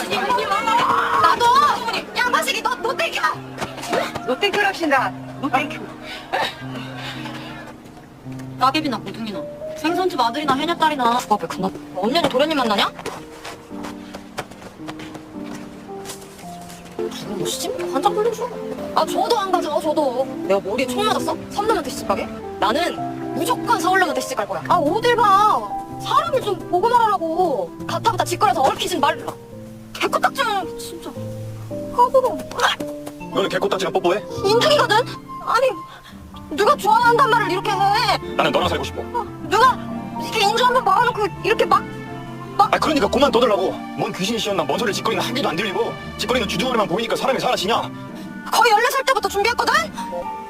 나도 양파식이 너 땡겨. 노땡큐랍시다. 노땡큐. 따개비나 고등이나 생선집 아들이나 해녀딸이나 누가 왜 그나 언니는 도련님 만나냐? 누구 뭐 시집 한장 돌려줘. 아 저도 안 가져 저도. 내가 머리에 총 맞았어? 선남한테 시집 가게? 나는 무조건 서울남한테 시집 갈 거야. 아 어딜 봐. 사람을 좀 보고 말하라고. 가타부타 짓거려서 얽히진 말라. 개코딱지는 진짜 까불어. 너는 개코딱지랑 뽀뽀해? 인중이거든? 아니 누가 좋아한단 말을 이렇게 해. 나는 너랑 살고 싶어. 누가 이렇게 인중 한번 말아놓고 이렇게 막 아 그러니까 그만 떠들라고. 뭔 귀신이 씌었나 뭔 소리를 짓거리는 한 개도 안 들리고 짓거리는 주둥아리만 보이니까 사람이 사라지냐? 거의 14살 때부터 준비했거든?